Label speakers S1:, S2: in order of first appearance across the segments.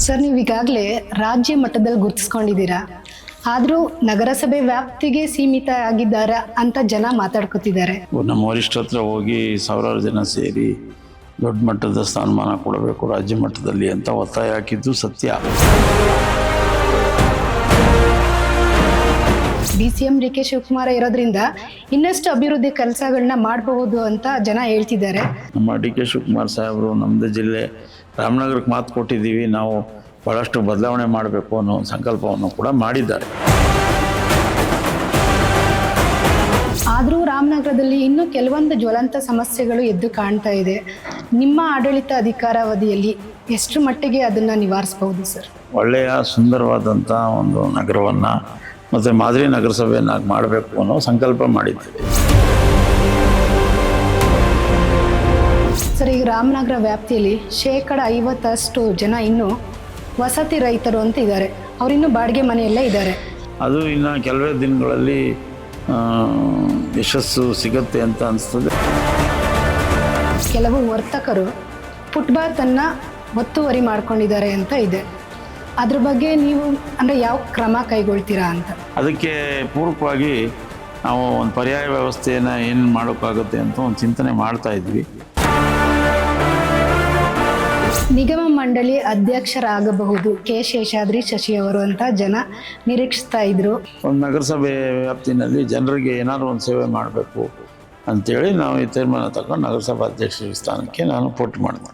S1: Sir, ನೀವು ಈಗಾಗಲೇ ರಾಜ್ಯ ಮಟ್ಟದಲ್ಲಿ ಗುರುತಿಸ್ಕೊಂಡಿದ್ದೀರಾ, ಆದರೂ ನಗರಸಭೆ ವ್ಯಾಪ್ತಿಗೆ ಸೀಮಿತ ಆಗಿದ್ದಾರೆ ಅಂತ ಜನ ಮಾತಾಡ್ಕೊತಿದ್ದಾರೆ.
S2: ನಮ್ಮ ವರಿಷ್ಠ ಹತ್ರ ಹೋಗಿ ಸಾವಿರಾರು ಜನ ಸೇರಿ ದೊಡ್ಡ ಮಟ್ಟದ ಸ್ಥಾನಮಾನ ಕೊಡಬೇಕು ರಾಜ್ಯ ಮಟ್ಟದಲ್ಲಿ ಅಂತ ಒತ್ತಾಯ ಹಾಕಿದ್ದು ಸತ್ಯ.
S1: DCM DK ಶಿವಕುಮಾರ್ ಇರೋದ್ರಿಂದ ಇನ್ನಷ್ಟು ಅಭಿವೃದ್ಧಿ ಕೆಲಸಗಳನ್ನ ಮಾಡಬಹುದು ಅಂತ ಜನ ಹೇಳ್ತಿದ್ದಾರೆ.
S2: ನಮ್ಮ DK ಶಿವಕುಮಾರ್ ಸಾಹೇಬರು ನಮ್ಮದು ಜಿಲ್ಲೆ ರಾಮನಗರಕ್ಕೆ ಮಾತು ಕೊಟ್ಟಿದ್ದೀವಿ, ನಾವು ಭಾಳಷ್ಟು ಬದಲಾವಣೆ ಮಾಡಬೇಕು ಅನ್ನೋ ಸಂಕಲ್ಪವನ್ನು ಕೂಡ ಮಾಡಿದ್ದಾರೆ.
S1: ಆದರೂ ರಾಮನಗರದಲ್ಲಿ ಇನ್ನೂ ಕೆಲವೊಂದು ಜ್ವಲಂತ ಸಮಸ್ಯೆಗಳು ಎದ್ದು ಕಾಣ್ತಾ ಇದೆ. ನಿಮ್ಮ ಆಡಳಿತ ಅಧಿಕಾರಾವಧಿಯಲ್ಲಿ ಎಷ್ಟು ಮಟ್ಟಿಗೆ ಅದನ್ನು ನಿವಾರಿಸಬಹುದು ಸರ್?
S2: ಒಳ್ಳೆಯ ಸುಂದರವಾದಂಥ ಒಂದು ನಗರವನ್ನು ಮತ್ತು ಮಾದರಿ ನಗರಸಭೆಯನ್ನಾಗಿ ಮಾಡಬೇಕು ಅನ್ನೋ ಸಂಕಲ್ಪ ಮಾಡಿದ್ದೇವೆ.
S1: ಸರ್, ಈಗ ರಾಮನಗರ ವ್ಯಾಪ್ತಿಯಲ್ಲಿ 50% ಜನ ಇನ್ನೂ ವಸತಿ ರೈತರು ಅಂತ ಇದ್ದಾರೆ. ಅವರಿನ್ನೂ ಬಾಡಿಗೆ ಮನೆಯಲ್ಲೇ ಇದ್ದಾರೆ.
S2: ಅದು ಇನ್ನು ಕೆಲವೇ ದಿನಗಳಲ್ಲಿ ಯಶಸ್ಸು ಸಿಗುತ್ತೆ ಅಂತ ಅನಿಸ್ತದೆ.
S1: ಕೆಲವು ವರ್ತಕರು ಫುಟ್ಪಾತನ್ನು ಒತ್ತುವರಿ ಮಾಡ್ಕೊಂಡಿದ್ದಾರೆ ಅಂತ ಇದೆ. ಅದ್ರ ಬಗ್ಗೆ ನೀವು ಅಂದರೆ ಯಾವ ಕ್ರಮ ಕೈಗೊಳ್ತೀರಾ ಅಂತ?
S2: ಅದಕ್ಕೆ ಪೂರಕವಾಗಿ ನಾವು ಒಂದು ಪರ್ಯಾಯ ವ್ಯವಸ್ಥೆಯನ್ನು ಏನು ಮಾಡೋಕ್ಕಾಗುತ್ತೆ ಅಂತ ಒಂದು ಚಿಂತನೆ ಮಾಡ್ತಾ ಇದ್ವಿ.
S1: ನಿಗಮ ಮಂಡಳಿ ಅಧ್ಯಕ್ಷರಾಗಬಹುದು ಕೆ ಶೇಷಾದ್ರಿ ಶಶಿ ಅವರು ಅಂತ ಜನ ನಿರೀಕ್ಷಿಸ್ತಾ ಇದ್ರು.
S2: ಒಂದು ನಗರಸಭೆ ವ್ಯಾಪ್ತಿನಲ್ಲಿ ಜನರಿಗೆ ಏನಾದರೂ ಒಂದು ಸೇವೆ ಮಾಡಬೇಕು ಅಂಥೇಳಿ ನಾವು ಈ ತೀರ್ಮಾನ ತಗೊಂಡು ನಗರಸಭಾ ಅಧ್ಯಕ್ಷರ ಸ್ಥಾನಕ್ಕೆ ನಾನು ಪೋಟಿ ಮಾಡಿದೆ.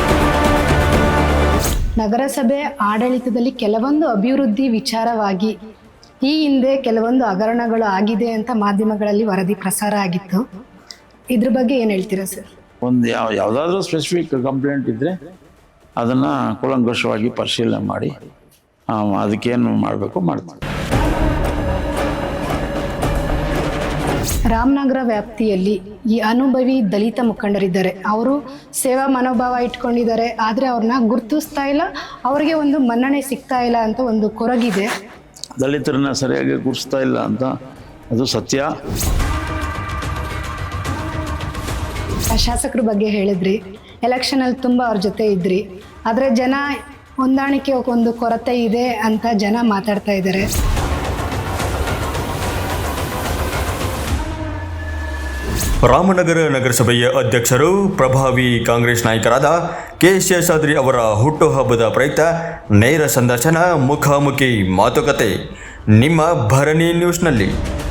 S1: ನಗರಸಭೆ ಆಡಳಿತದಲ್ಲಿ ಕೆಲವೊಂದು ಅಭಿವೃದ್ಧಿ ವಿಚಾರವಾಗಿ ಈ ಹಿಂದೆ ಕೆಲವೊಂದು ಹಗರಣಗಳು ಆಗಿದೆ ಅಂತ ಮಾಧ್ಯಮಗಳಲ್ಲಿ ವರದಿ ಪ್ರಸಾರ ಆಗಿತ್ತು. ಇದ್ರ ಬಗ್ಗೆ ಏನು ಹೇಳ್ತೀರಾ ಸರ್?
S2: ಒಂದು ಯಾವುದಾದ್ರೂ ಸ್ಪೆಸಿಫಿಕ್ ಕಂಪ್ಲೇಂಟ್ ಇದ್ದರೆ ಅದನ್ನು ಕೂಲಂಕಷವಾಗಿ ಪರಿಶೀಲನೆ ಮಾಡಿ ಅದಕ್ಕೇನು ಮಾಡಬೇಕು ಮಾಡ್ತೀವಿ.
S1: ರಾಮನಗರ ವ್ಯಾಪ್ತಿಯಲ್ಲಿ ಈ ಅನುಭವಿ ದಲಿತ ಮುಖಂಡರಿದ್ದಾರೆ. ಅವರು ಸೇವಾ ಮನೋಭಾವ ಇಟ್ಕೊಂಡಿದ್ದಾರೆ, ಆದರೆ ಅವ್ರನ್ನ ಗುರುತಿಸ್ತಾ ಇಲ್ಲ, ಅವರಿಗೆ ಒಂದು ಮನ್ನಣೆ ಸಿಗ್ತಾ ಇಲ್ಲ ಅಂತ ಒಂದು ಕೊರಗಿದೆ.
S2: ದಲಿತರನ್ನ ಸರಿಯಾಗಿ ಗುರುತಿಸ್ತಾ ಇಲ್ಲ ಅಂತ ಅದು ಸತ್ಯ.
S1: ಶಾಸಕರ ಬಗ್ಗೆ ಹೇಳಿದ್ರಿ, ಎಲೆಕ್ಷನಲ್ಲಿ ತುಂಬ ಅವ್ರ ಜೊತೆ ಇದ್ರಿ, ಆದರೆ ಜನ ಹೊಂದಾಣಿಕೆ ಒಂದು ಕೊರತೆ ಇದೆ ಅಂತ ಜನ ಮಾತಾಡ್ತಾ ಇದ್ದಾರೆ.
S3: ರಾಮನಗರ ನಗರಸಭೆಯ ಅಧ್ಯಕ್ಷರು ಪ್ರಭಾವಿ ಕಾಂಗ್ರೆಸ್ ನಾಯಕರಾದ ಕೆ ಶೇಷಾದ್ರಿ ಅವರ ಹುಟ್ಟುಹಬ್ಬದ ಪ್ರಯುಕ್ತ ನೇರ ಸಂದರ್ಶನ, ಮುಖಾಮುಖಿ ಮಾತುಕತೆ ನಿಮ್ಮ ಭರಣಿ ನ್ಯೂಸ್ನಲ್ಲಿ.